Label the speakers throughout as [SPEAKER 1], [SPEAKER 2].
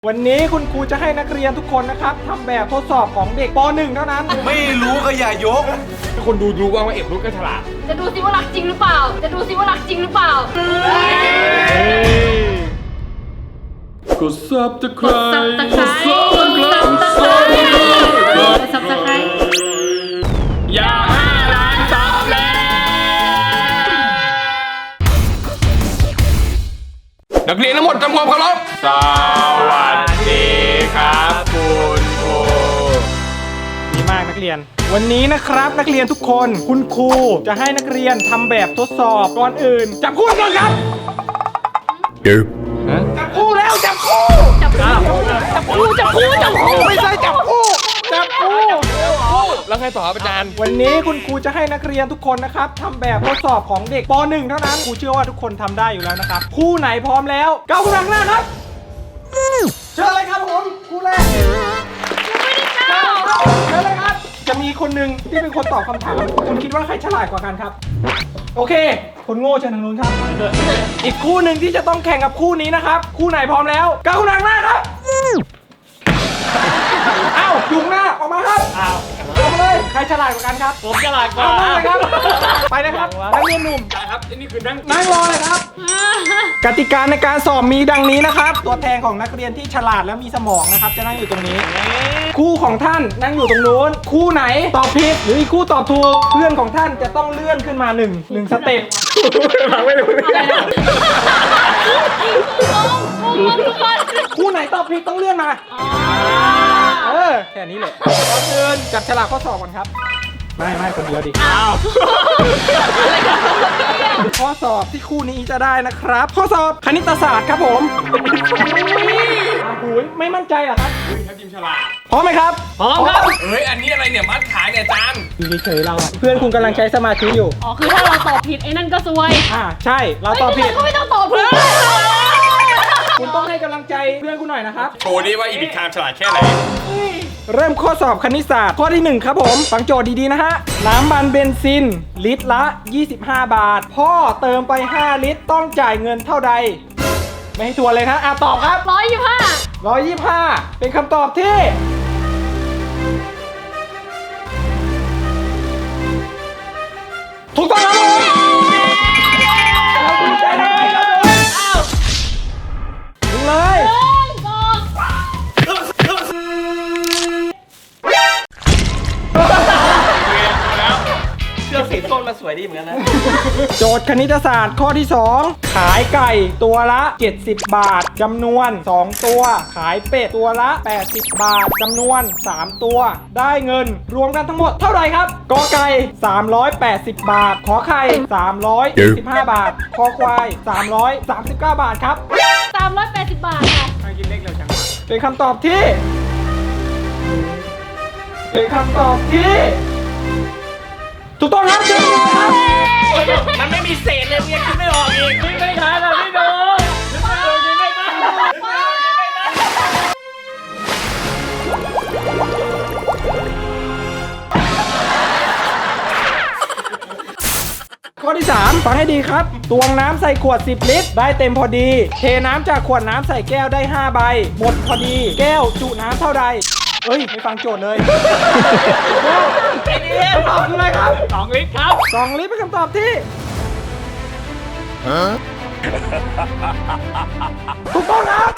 [SPEAKER 1] วันนี้คุณครูจะให้นักเรียนทุกคนนะครับทำแบบทดสอบของเด็กป .1 เท่านั้น
[SPEAKER 2] ไม่รู้ก็อย่ายก
[SPEAKER 3] คนดูว่าเอกรุ่นก็ฉลาด
[SPEAKER 4] จะดูซิว่ารักจริงหรือเปล่า จะดูซิว่ารักจริงหรือเปล่า
[SPEAKER 3] กดซับตะไคร้
[SPEAKER 4] Subscribe
[SPEAKER 3] อย่า5 ล้านซับแล้วนักเรียนทั้งหมดทำความเคารพสวัสดีครับคุณครู
[SPEAKER 1] ดีมากนักเรียน วันนี้นะครับนักเรียนทุกคนคุณครูจะให้นักเรียนทำแบบทดสอบก่อนอื่นจับคู่ก่อนครับจับคู่แล้วจับคู่จับคู่ไม่ใช่จับคู่จับคู่
[SPEAKER 3] แล้วใครต่อครับอาจารย์
[SPEAKER 1] วันนี้คุณครูจะให้นักเรียนทุกคนนะครับทำแบบทดสอบของเด็กป .1 เท่านั้นครูเชื่อว่าทุกคนทำได้อยู่แล้วนะครับคู่ไหนพร้อมแล้วก้าวข้างหน้าครับเชิญเลยครับผมคู่แรกเชิญเลยครับจะมีคนหนึ่งที่เป็นคนตอบคำถามคุณคิดว่าใครฉลาดกว่ากันครับโอเคคนโง่เชิญทางนู้นครับอีกคู่หนึ่งที่จะต้องแข่งกับคู่นี้นะครับคู่ไหนพร้อมแล้วก้าวข้างหน้าครับอ้าวยุงหน้าออกมาครับอ้าวออกมาเลยใครฉลาดกว่ากันครับผมฉลาดกว่าครับไปนะครับนักเรียนหนุ่ม
[SPEAKER 3] ครับนี่คือนั่ง
[SPEAKER 1] นั่งรอเลยครับ กติกาในการสอบมีดังนี้นะครับ ตัวแทนของนักเรียนที่ฉลาดและมีสมองนะครับ จะนั่งอยู่ตรงนี้ คู่ของท่านนั่งอยู่ตรงนู้น คู่ไหนตอบผิดหรืออีกคู่ตอบถูก เพื่อนของท่านจะต้องเลื่อนขึ้นมาหนึ่งสเต็ปไม่รู้คู่ไหนตอบผิดต้องเลื่อนมาแค่นี้เลยก่อนอื่นจับฉลากข้อสอบก่อนครับ ไม่คนเดียวดิข้อสอบที่คู่นี้จะได้นะครับ ข้อสอบคณิตศาสตร์ครับผมไม่มั่นใจเหรอครับ
[SPEAKER 3] ถ้าทีมฉลาด
[SPEAKER 1] พร้อมไหมครับพร้อมครับ
[SPEAKER 3] เอ้ยอันนี้อะไรเนี่ยมัดขายเนี่ยอาจารย์
[SPEAKER 1] อยู่เฉยๆเราอะเพื่อนคุณกำลังใช้สมาธิอยู่
[SPEAKER 4] อ๋อ คือถ้าเราตอบผิดไอ้นั่นก็ซวย
[SPEAKER 1] ใช่เราตอบผิด
[SPEAKER 4] ก็ไม่ต้องตอบผิด
[SPEAKER 1] คุณต้องให้กำลังใจเพื่อนคุณหน่อยนะครับ
[SPEAKER 3] โชว์ดิว่าอีพิคามฉลาดแค่ไหน
[SPEAKER 1] เริ่มข้อสอบคณิตศาสตร์ข้อที่1ครับผมฟังโจทย์ดีๆนะฮะน้ำมันเบนซินลิตรละ 25 บาท พ่อเติมไป 5 ลิตรต้องจ่ายเงินเท่าใด ไม่ให้ทวนเลยนะตอบครับ 125 เป็นคำตอบที่ถูกต้องครับผมเราดีใจเลยครับผมเลย
[SPEAKER 2] เสื้อสีส้มมาสวยดีเหมือนกันนะ
[SPEAKER 1] โจทย์คณิตศาสตร์ข้อที่ 2 ขายไก่ตัวละ 70 บาทจำนวน 2 ตัว ขายเป็ดตัวละ 80 บาทจำนวน 3 ตัว ได้เงินรวมกันทั้งหมดเท่าไหร่ครับกอไก่ 380 บาท ขอไข่ 345 บาท คอควาย 339 บาทครับ
[SPEAKER 4] 380 บาทค่ะ
[SPEAKER 1] ใครกินเลขเร็วจังเป็นคำตอบที่ เป็นคำตอบที่ถูกต้องครับ
[SPEAKER 2] มันไม่มีเศษเลยยังคิดไม่ออกอีก
[SPEAKER 1] ไม่ทันอ่ะพี่โดข้อที่ 3 ฟังให้ดีครับ ตวงน้ำใส่ขวด 10 ลิตร ได้เต็มพอดี เทน้ำจากขวดน้ำใส่แก้วได้ 5 ใบ หมดพอดี แก้วจุน้ำเท่าใดไม่ฟังโจทย์เลยคำตอบคืออะไรครับ
[SPEAKER 3] 2 ลิตรครับ
[SPEAKER 1] 2 ลิตรเป็นคำตอบที่ถูกต้องครับ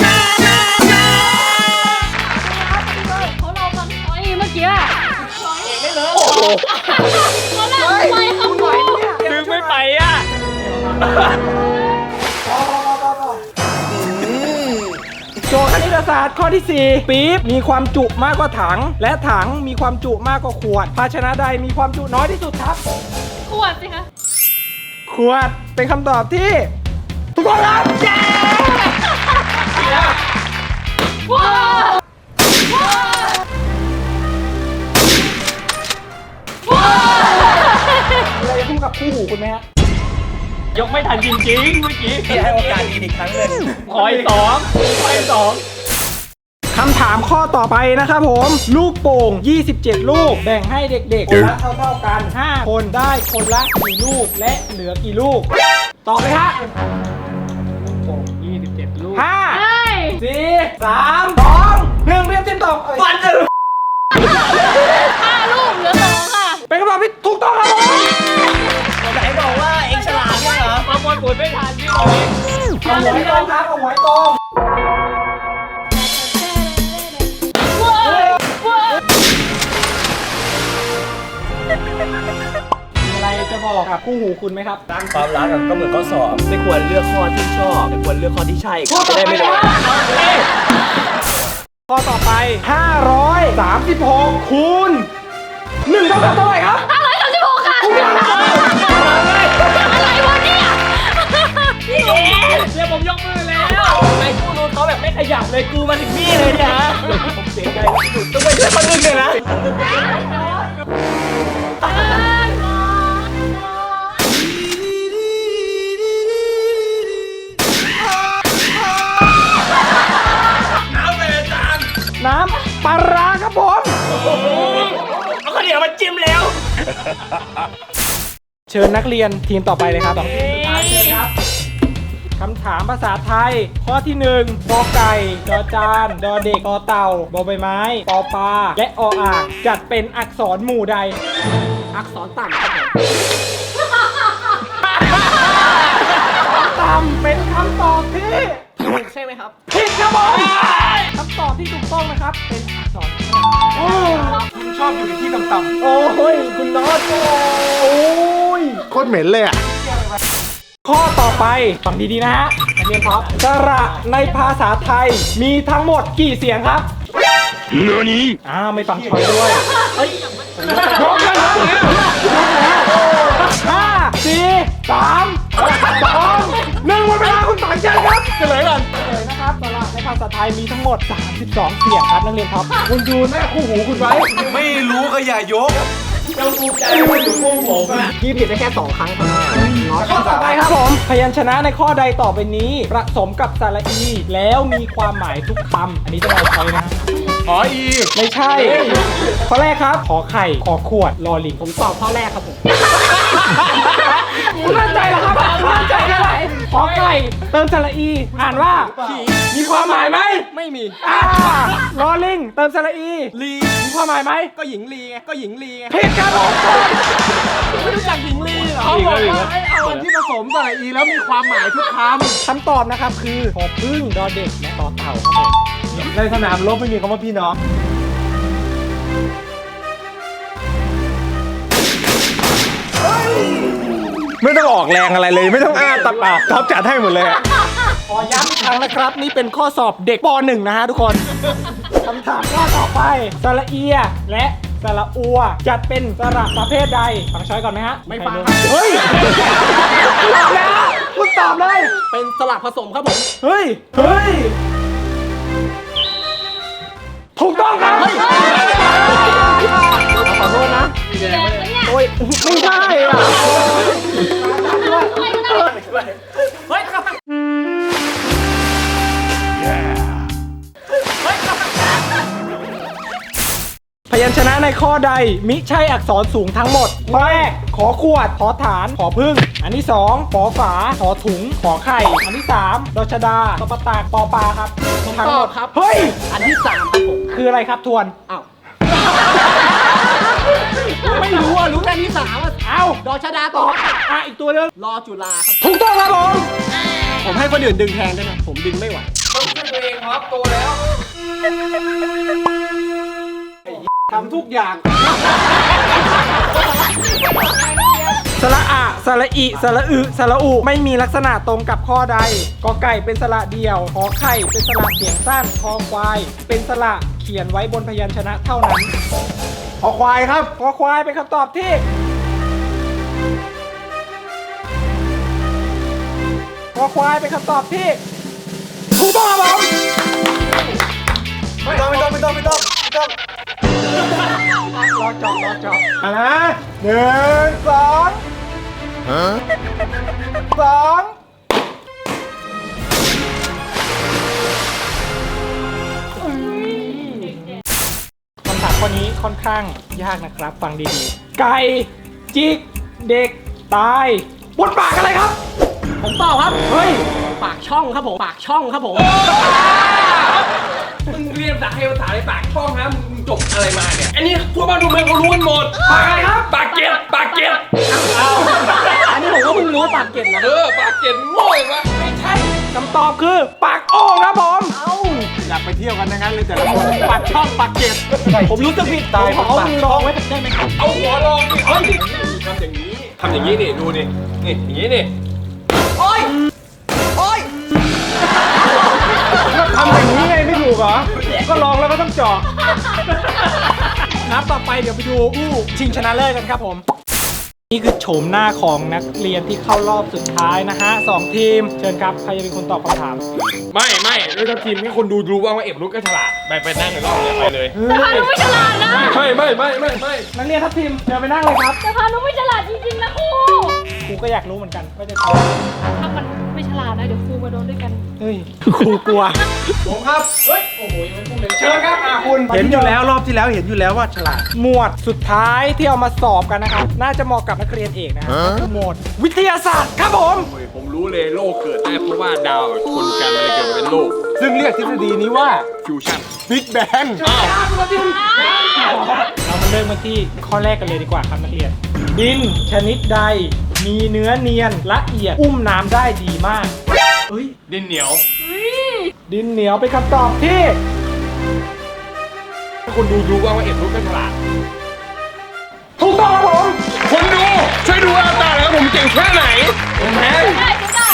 [SPEAKER 4] เขาเราฟังไอ้เมื่อกี้ไม่เลยเขาหลังไปเขาหน่อย
[SPEAKER 3] ดึงไม่ไปอ่ะ
[SPEAKER 1] โจทย์คณิตศาสตร์ข้อที่ 4 ปี๊บมีความจุมากกว่าถัง และถังมีความจุมากกว่าขวด ภาชนะใดมีความจุน้อยที่สุดครับ
[SPEAKER 4] ขวดสิคะ
[SPEAKER 1] ขวดเป็นคำตอบที่ถูกต้องครับเย้
[SPEAKER 4] ว้าว
[SPEAKER 1] มีอะไรจะพูดกับคู่หูคุณไหมฮะ
[SPEAKER 3] ยกไม่ทันจริงๆเมื่อกี้
[SPEAKER 2] พี่ให้โอกาสอีกครั้งหนึ่ง
[SPEAKER 3] ขออีก
[SPEAKER 1] คำถามข้อต่อไปนะครับผม ลูกโป่ง 27 ลูก แบ่งให้เด็กๆคนละเท่าๆกัน 5 คนได้คนละกี่ลูกและเหลือกี่ลูก ตอบเลยฮะ
[SPEAKER 3] 27 ลูก
[SPEAKER 1] 5
[SPEAKER 4] เฮ้ย
[SPEAKER 1] 4 3 2 1เรียบจิ้มตอบ
[SPEAKER 2] ฟันจะ
[SPEAKER 4] 5 ลูกเหลือ 2 ค่ะ
[SPEAKER 1] เป็นคำตอบที่ถูกต้องครับผม
[SPEAKER 2] ไหนบอกว่าเองฉลาดใช่เหรอ
[SPEAKER 3] ประมวลผลไม่ทันพี่บอล
[SPEAKER 1] เอาหวยตรงครับเอาหวยตรงมีอะไรจะบอกกับคู่หูคุณไหมครับ
[SPEAKER 2] ความรักก็เหมือนข้อสอบไม่ควรเลือกข้อที่ชอบแต่ควรเลือกข้อที่ใช่
[SPEAKER 1] ข้อ
[SPEAKER 2] จะ
[SPEAKER 1] ต่อ
[SPEAKER 2] ได้
[SPEAKER 1] ไป
[SPEAKER 2] ไม่โดน
[SPEAKER 1] ข้อต่อไป 536 คูณ1เท่ากับเท่าไหร่ครับ
[SPEAKER 4] 536 ค่ะ อะไรวะเนี่ย
[SPEAKER 3] เดี๋ยวผมยกมือแล้ว
[SPEAKER 2] ไอ้ผู้รู้เขาแบบไม่ขยับเลยกูมาถึงนี่เลยเนี่ยฮะผมเสียใจสุดต้องไปช่วยคนอื่นเลยนะ
[SPEAKER 1] น้ำปลาร้าครับผม
[SPEAKER 2] เอาข้าวเหนียวมาจิ้มแล้ว
[SPEAKER 1] เชิญนักเรียนทีมต่อไปเลยครับ2ทีมสุดท้ายเชิญครับคำถามภาษาไทย ข้อที่1กอไก่จอจานดอเด็กตอเต่าบอใบไม้ปอปลาและออ่างจัดเป็นอักษรหมู่ใด
[SPEAKER 2] อักษรต่ำครับผม
[SPEAKER 1] ต่ำเป็นคำตอบที่
[SPEAKER 2] ถูกใช่ไหมครับ
[SPEAKER 1] ผิดครับผมคำตอบที่ถูกต้องนะครับ เป็นอักษรโอ้คุณชอบอยู่ในที่ต่ำๆโอ้ยคุณน็อตโอ้ย
[SPEAKER 5] โคตรเหม็นเลยอ่ะ
[SPEAKER 1] ข้อต่อไปฟังดีๆนะฮะนักเรียนครับสระในภาษาไทยมีทั้งหมดกี่เสียงครับไม่ฟังช้อยด้วยยกแล้วห้าสี่สามสองหนึ่งหมดเวลาคุณต่างใจครับเฉลยก่อนเฉลยนะครับสระในภาษาไทยมีทั้งหมด32เสียงครับนักเรียนครับคุณดูหน้าคู่หูคุณไว้
[SPEAKER 5] ไม่รู้ก็อย่ายก
[SPEAKER 1] พี่ผิดได้แค่2ครั้งครับข้อต่อไปครับผมพยัญชนะในข้อใดต่อไปนี้ผสมกับสระอี แล้วมีความหมายทุกคำอันนี้จะเอาใช้นะ
[SPEAKER 5] ขออี
[SPEAKER 1] ไม่ใช่ ข้อแรกครับ ขอไข่ ขอขวด ลอลิง
[SPEAKER 2] ผมตอบข้อแรกครับผม
[SPEAKER 1] คุณมั่นใจเหรอครับมั่นใจแค่ไหนขอไก่เติมสระอี อ่านว่า มีความหมายไหม
[SPEAKER 2] ไม่มี
[SPEAKER 1] ลอลิง เติมสระอี
[SPEAKER 2] ลี
[SPEAKER 1] มีความหมายไหม
[SPEAKER 2] ก็หญิงลีไง ก็หญิงลีไง
[SPEAKER 1] ผิดครับผม
[SPEAKER 2] ไม่รู้จักหญิงลีเหรอ
[SPEAKER 5] เขาบอกว่าให้เอาอันที่ผสมใส่อีแล้วมีความหมายทุกค
[SPEAKER 1] คำตอบนะครับคือพอพึ่งดอเด็กและต่อเต่าครับผม
[SPEAKER 5] ำในสนามรบไม่มีคำว่าพี่น้อง ไม่ต้องออกแรงอะไรเลย ไม่ต้องอ้าตาปากท็อปจัดให้หมดเลยอะ
[SPEAKER 1] ขอย้ำอีกครั้งนะครับ นี่เป็นข้อสอบเด็กป .1 นะฮะทุกคน คำถามข้อต่อไปสระเอียและสระอัวจัดเป็นสระประเภทใดฟังช้อยก่อนไหมฮะ
[SPEAKER 2] ไม่ฟัง
[SPEAKER 1] เฮ้ยตอบแล้วคุณตอบเลย
[SPEAKER 2] เป็นสลับผสมครับผม
[SPEAKER 1] เฮ้ย เฮ้ย ถูกต้องครับขอโทษนะ
[SPEAKER 4] เสียงปะเนี่ย
[SPEAKER 1] โอ้ย ไม่ใช่อ่ะ
[SPEAKER 2] เฮ้ย
[SPEAKER 1] พยัญชนะในข้อใดมิใช่อักษรสูงทั้งหมดข้อแรกขอขวด ขอฐาน ขอพึ่ง อันที่2ขอฝา ขอถุง ขอไข่ อันที่3ดชดาตปตากปอปลาครับทั้งหมดครับ เฮ้ย
[SPEAKER 2] อันที่3ครับผม
[SPEAKER 1] คืออะไรครับทวน
[SPEAKER 2] อ้าว ไม่รู้อ่ะ รู้แต่ที่3อ่ะ
[SPEAKER 1] เอ้า
[SPEAKER 2] ดอชดาต่อ
[SPEAKER 1] อีกตัวหนึง
[SPEAKER 2] รอจุฬาครับ
[SPEAKER 1] ถูกต้องครับผม
[SPEAKER 2] ผมให้คนอื่นดึงแทนได้ไหมผมดึงไม่ไหว
[SPEAKER 1] ทำทุกอย่าง สระอะสระอิสระอึสระอุไม่มีลักษณะตรงกับข้อใดกอไก่เป็นสระเดียวขอไข่เป็นสระเสียงสั้นคอควาย เป็นสระเขียนไว้บนพยัญชนะเท่านั้น
[SPEAKER 5] ขอควายครับ
[SPEAKER 1] คอควายเป็นคำตอบที่คอควายเป็นคำตอบที่ถูกต้องครับผม
[SPEAKER 5] ไม่ต้องรอจอบมานะ1 2
[SPEAKER 1] คำถามข้อนี้ค่อนข้างยากนะครับ ฟังดีๆ ไก่ จิก เด็ก ตายบนปากอะไรครับ
[SPEAKER 2] ผมตอบครับ
[SPEAKER 1] เฮ้ย
[SPEAKER 2] ปากช่องครับผม ปากช่องครับผม
[SPEAKER 1] ถ
[SPEAKER 3] มึงเรียนภาษาไทยภาษาในปากช่องนะมึงจบอะไรมาเนี่ยอันนี้ทั่วบ้านทั่วเมืองเขารู้กันหมดปากอะไรครับปากเก็บปากเก็บ
[SPEAKER 2] อันนี้ผมก็เพิ่งรู้ปากเก็ตนะ
[SPEAKER 3] ปากเก็บโง่เลยวะ
[SPEAKER 1] ไม่ใช่คำตอบคือปากโอ่งครับผม
[SPEAKER 5] อยากไปเที่ยวกันทั้งนั้นเลยแต่ละคนปากช่องปากเกร็ด
[SPEAKER 1] ผมรู้สึกผิดตายผมเอามือรองไว้ได้ไหมครับ
[SPEAKER 3] เอาหัวลองดิเฮ้ยทำอย่างนี้ทำอย่างนี้นี่ดูนี่นี่อย่างนี้นี่
[SPEAKER 1] ทำอย่างนี้ไงไม่ถูกเหรอ ก็ลองแล้วก็ต้องเจาะนับต่อไปเดี๋ยวไปดูชิงชนะเลิศกันครับผม นี่คือโฉมหน้าของนักเรียนที่เข้ารอบสุดท้ายนะฮะ2 ทีม เชิญครับ ใครจะเป็นคนตอบคำถาม
[SPEAKER 3] ไม่ด้วยทัพทีมให้คนดูรู้ว่าเอฟลุกก็ฉลาดไปนั่งในรอบเลยไปเลย
[SPEAKER 4] แต่พานุไม่ฉลาดนะ
[SPEAKER 3] ไม่
[SPEAKER 1] นักเรียนทัพทีมเชิญไปนั่งเลยครับ
[SPEAKER 4] แต่พานุไม่ฉลาดจริงๆนะครู
[SPEAKER 1] ครูก็อยากรู้เหมือนกันว่าจะ
[SPEAKER 4] ถ้ามันไม่ฉลาดนะเดี๋ยวครูมาโดนด้วยกัน
[SPEAKER 1] เฮ้ยครูกลัว
[SPEAKER 3] ผมครับเฮ้ยโอ้โหยังไม่พูดเลยเชิญครับ
[SPEAKER 1] คุณ
[SPEAKER 5] เห็นอยู่แล้วรอบที่แล้วเห็นอยู่แล้วว่าฉลาด
[SPEAKER 1] หมวดสุดท้ายที่เอามาสอบกันนะครับ น่าจะเหมาะกับนักเรียนเอกนะคือหมวดวิทยาศาสตร์ครับผม
[SPEAKER 3] ผมรู้เลยโลกเกิดได้เพราะว่าดาวคนกันอะไรเกิดเป็นโลก
[SPEAKER 5] ซึ่งเรียกทฤษฎีนี้ว่า
[SPEAKER 3] ฟิวชั่น
[SPEAKER 5] บิ๊กแบง
[SPEAKER 3] อ้าว
[SPEAKER 1] เรามาเริ่มกันที่ข้อแรกกันเลยดีกว่าครับนักเรียน ดินชนิดใดมีเนื้อเนียนละเอียดอุ้มน้ำได้ดีมากเฮ้ย
[SPEAKER 3] ดินเหนียว
[SPEAKER 1] ดินเหนียวเป็นคำตอบที่
[SPEAKER 3] ให้คนดูรู้ว่าเอฟลุกก็ฉลาด
[SPEAKER 1] ถูกต้องครับผม
[SPEAKER 3] คนดูช่วยดูอาตาแล้วผมเก่งแค่ไหนผมแพ้
[SPEAKER 4] ได้ก็ได้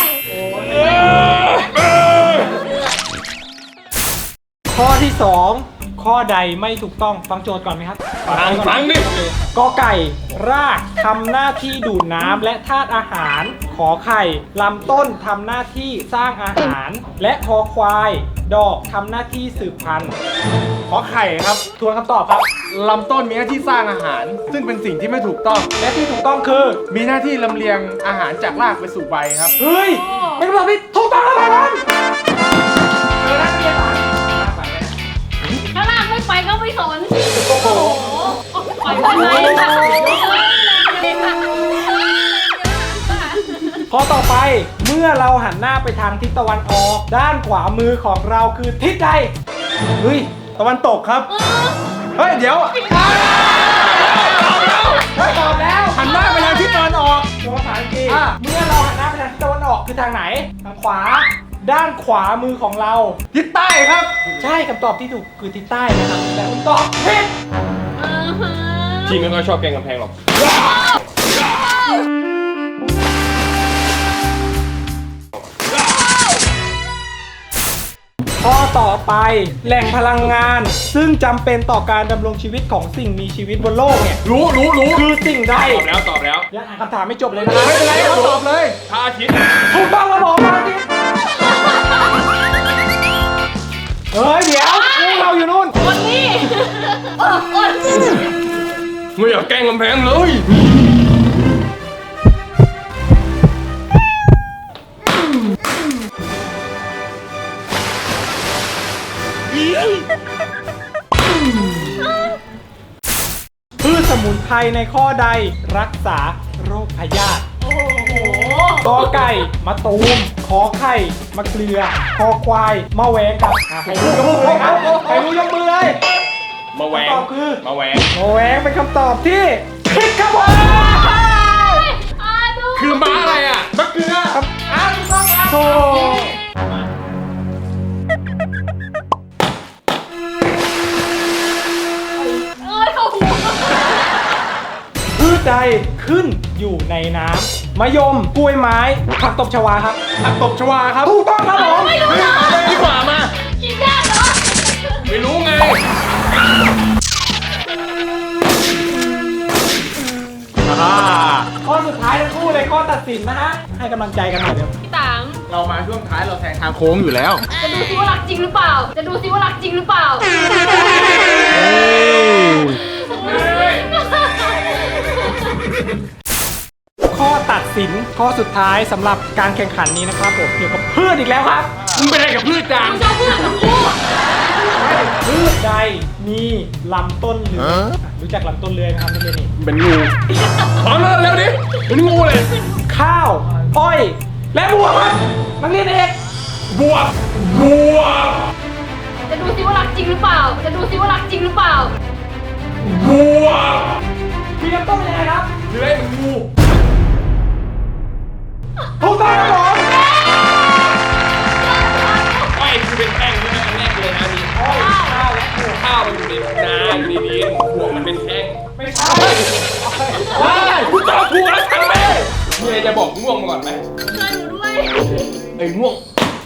[SPEAKER 1] ข้อที่ 2 ข้อใดไม่ถูกต้องฟังโจทย์ก่อนไหมครับ
[SPEAKER 3] ฟังดิ
[SPEAKER 1] กอไก่รากทำหน้าที่ดูดน้ำและธาตุอาหาร ขอไข่ลำต้นทำหน้าที่สร้างอาหาร และคอควายดอกทำหน้าที่สืบพันธุ์
[SPEAKER 5] ขอไข่ครับ
[SPEAKER 1] ทวนคำตอบครับ
[SPEAKER 5] ลำต้นมีหน้าที่สร้างอาหาร ซึ่งเป็นสิ่งที่ไม่ถูกต้อง
[SPEAKER 1] และที่ถูกต้องคือ
[SPEAKER 5] มีหน้าที่ลำเลียงอาหารจากรากไปสู่ใบครับ
[SPEAKER 1] เฮ้ยเป็นคำตอบที่ถูกต้องแล้วครับเจอนักเรียนอ่ะ
[SPEAKER 4] ถ้าลากไม่ไปก็ไม่สน โอ้โหไปเลยค่ะ
[SPEAKER 1] ข้อต่อไปเมื่อเราหันหน้าไปทางทิศตะวันออก ด้านขวามือของเราคือทิศใดเฮ้ย
[SPEAKER 5] ตะวันตกครับ เฮ้ย เดี๋ยว
[SPEAKER 1] ตอบแล้ว
[SPEAKER 5] หันหน้าไปทางทิศตะวันออก
[SPEAKER 1] ตัวภาษาอังกฤษเมื่อเราหันหน้าไปทางทิศตะวันออกคือทางไหน ทางขวา ด้านขวามือของเรา
[SPEAKER 5] ทิศใต้ครับ
[SPEAKER 1] ใช่คำตอบที่ถูกคือทิศใต้นะครับแต่คุณตอบผิด
[SPEAKER 3] ทีมไม่ค่อยชอบแกงกำแพงหรอก
[SPEAKER 1] ข้อต่อไปแหล่งพลังงาน ซึ่งจำเป็นต่อการดำรงชีวิตของสิ่งมีชีวิตบนโลกเนี่ย
[SPEAKER 3] รู้
[SPEAKER 1] คือสิ่งใด
[SPEAKER 3] ตอบแล้ว
[SPEAKER 1] ยังอ่านคำถามไม่จบเลยนะครับ
[SPEAKER 5] ไม่เป็นไรเขาตอบเลย
[SPEAKER 3] พระอาทิตย์
[SPEAKER 1] ถูกต้องครับผมมาที่เฮ้ยเดี๋ยวเราอยู่นู่น
[SPEAKER 4] คนนี้คน
[SPEAKER 3] ไม่อยากแกล้งกำแพงเลย
[SPEAKER 1] พืชสมุนไพรในข้อใดรักษาโรคพยาธิ
[SPEAKER 4] โอ้โห
[SPEAKER 1] กอไก่มะตูมขอไข่มะเกลือคอควายมะแวงครับใครรู้ยกมือเลยครับใครรู้ยกมือเลย
[SPEAKER 3] มาแหวง
[SPEAKER 1] คำตอบคือ
[SPEAKER 3] มาแหวง
[SPEAKER 1] มะแวงเป็นคำตอบที่ผิดครับผม
[SPEAKER 4] ดู
[SPEAKER 3] คือม้าอะไรอ่ะมะเกลือ
[SPEAKER 1] ครับถูกต้องครับโธ่
[SPEAKER 4] เข้าหู
[SPEAKER 1] พืชใดขึ้นอยู่ในน้ำมะยมกล้วยไม้ผักตบชวาครับ
[SPEAKER 5] ผักตบชวาครับ
[SPEAKER 1] ถูกต้องครับผม
[SPEAKER 4] ไม่รู้เหรอ
[SPEAKER 3] ดีกว่ามา
[SPEAKER 4] กินได้เหรอ
[SPEAKER 3] ไม่รู้ไง
[SPEAKER 1] ข้อสุดท้ายทั้งคู่เลยข้อตัดสินนะฮะให้กำลังใจกันหน่อยเดี๋ยว
[SPEAKER 4] พี่ตัง
[SPEAKER 5] เรามาช่วงท้ายเราแซงทางโค้งอยู่แล้ว
[SPEAKER 4] จะดูซิว่ารักจริงหรือเปล่า จะดูซิว่ารักจริงหรือเปล่า
[SPEAKER 1] ข้อตัดสินข้อสุดท้ายสำหรับการแข่งขันนี้นะครับผมเกี่ยวกับพืชอีกแล้วครับ
[SPEAKER 3] มึงเป็นอะไรกับพืชจาง
[SPEAKER 4] ชอบพูดกับพูด
[SPEAKER 1] พืชใดมีลำต้นเลื้อยรู้จักลำต้นเลื้อยไหมครับนักเรียนนี่
[SPEAKER 3] เป็นงูพร้อมแล้วเร็วดิเป็นงูเลย
[SPEAKER 1] ข้าวอ้อยและบัวครับนักเรียนเอก
[SPEAKER 3] บวก
[SPEAKER 4] จะดูซิว่ารักจริงหรือเปล่า จะดูซิว่ารักจริงหรือเปล่า
[SPEAKER 3] วัว
[SPEAKER 1] มีน้ำต้มยังไงครับ
[SPEAKER 3] เลื้อยเหมือนงู
[SPEAKER 1] ถูกต้องครับผม
[SPEAKER 3] อ้อยคือเป็นแป้งที่อันแรกเลยนะนี่
[SPEAKER 1] อ้อยข้าวและถั่ว
[SPEAKER 3] ข้าวมันอยู่ในนาอยู่ในดินหัวมันเป็นแท่ง
[SPEAKER 1] ไม่ใช่
[SPEAKER 3] ว้ายกูตอบถูกแล้วช่างแม่งมีอะไรจะบอกง่วงมาก่อนไหม
[SPEAKER 4] ช่วยหนูด้วย
[SPEAKER 3] ไอ้ง่วง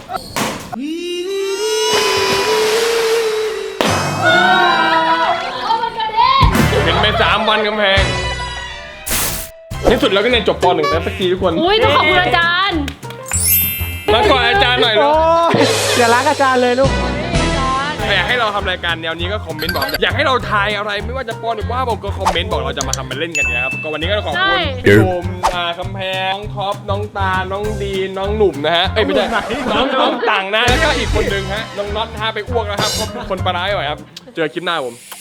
[SPEAKER 4] เอามันกระเด็น
[SPEAKER 3] เป็นไป3 วันกำแพงที่สุดแล้วก็เรียนจบป .1 แล้วสักทีทุกคน
[SPEAKER 4] อุ้ยต้องขอบคุณอาจารย์
[SPEAKER 3] มาก่อนอาจารย์หน่อย
[SPEAKER 1] โอ้
[SPEAKER 3] ลูก
[SPEAKER 1] ยอย่ารักอาจารย์เลยลูก
[SPEAKER 3] อยากให้เราทำรายการแนวนี้ก็คอมเมนต์บอก อยากให้เราทายอะไรไม่ว่าจะป .1 ว่าผมก็คอมเมนต์บอกเราจะมาทำมาเล่นกันนะครับก็วันนี้ก็ขอบคุณโอมคำแพงน้องท็อปน้องตาน้องดีนน้องหนุ่มนะฮะเอ้ยไม่ใช่น้องต่างนะแล้วก็อีกคนนึงฮะน้องน็อตนะฮะไปอ้วกแล้วครับคนปลาร้าหน่อยครับเจอคลิปหน้าผม